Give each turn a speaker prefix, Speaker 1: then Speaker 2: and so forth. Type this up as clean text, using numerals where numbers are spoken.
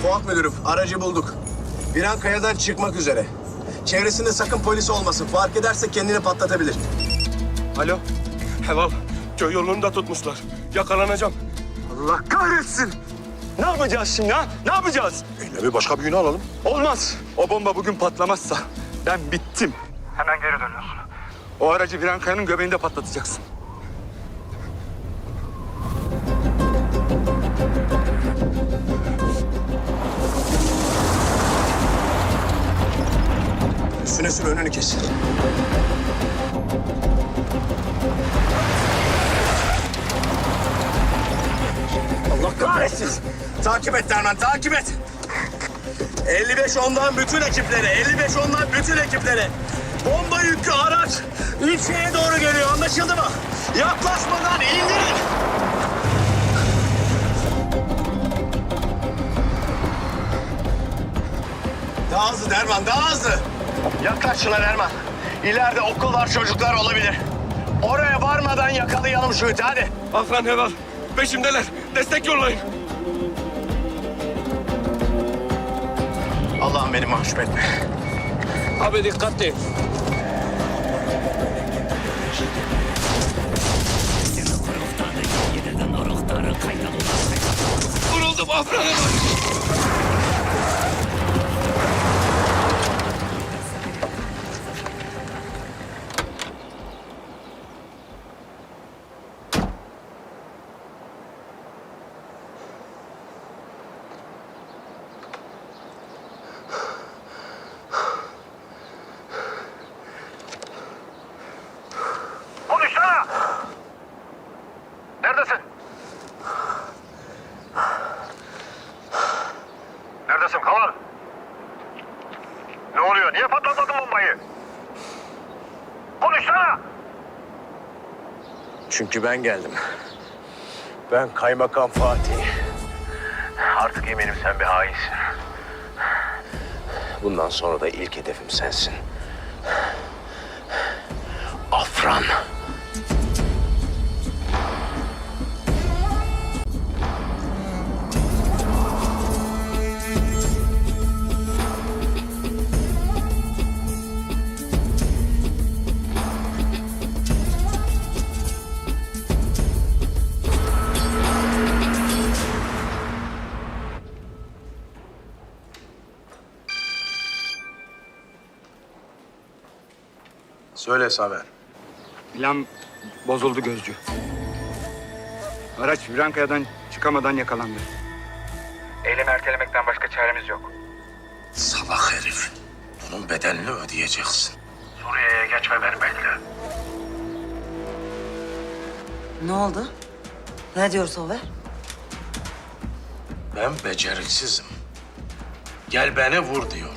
Speaker 1: Fuat müdürüm, aracı bulduk. Virankaya'dan çıkmak üzere. Çevresinde sakın polis olmasın. Fark ederse kendini patlatabilir.
Speaker 2: Alo. Helal. Köy yolunu da tutmuşlar. Yakalanacağım.
Speaker 3: Allah kahretsin! Ne yapacağız şimdi ha? Ne yapacağız?
Speaker 4: Bir başka bir günü alalım.
Speaker 3: Olmaz. O bomba bugün patlamazsa ben bittim. Hemen geri dönüyorsun. O aracı Virankaya'nın göbeğinde patlatacaksın.
Speaker 1: Üstüne sür, önünü kes. Allah kahretsin. Takip et Derman, takip et. 55 ondan bütün ekiplere, 55 ondan bütün ekiplere. Bomba yüklü araç ilçeye doğru geliyor, anlaşıldı mı? Yaklaşmadan indirin. Daha hızlı Derman, daha hızlı. Yaklaş şuna Derman. İleride okul var, çocuklar olabilir. Oraya varmadan yakalayalım şu iti, hadi.
Speaker 2: Afran Helal. Peşimdeler. Destek yollayın.
Speaker 1: Allah'ım beni mahcup etme.
Speaker 2: Abi dikkatli. Vuruldum Afran Helal.
Speaker 5: Konuşsana! Neredesin? Neredesin Kaval? Ne oluyor? Niye patlatmadın bombayı? Konuşsana!
Speaker 1: Çünkü ben geldim. Ben Kaymakam Fatih. Artık eminim sen bir hainsin. Bundan sonra da ilk hedefim sensin. Afran. Söyle Saber.
Speaker 3: Plan bozuldu Gözcü. Araç Virankaya'dan çıkamadan yakalandı. Eylemi ertelemekten başka çaremiz yok.
Speaker 4: Salak herif. Bunun bedelini ödeyeceksin.
Speaker 5: Suriye'ye geçmemeni bekle.
Speaker 6: Ne oldu? Ne diyor Sover?
Speaker 4: Ben beceriksizim. Gel beni vur diyor.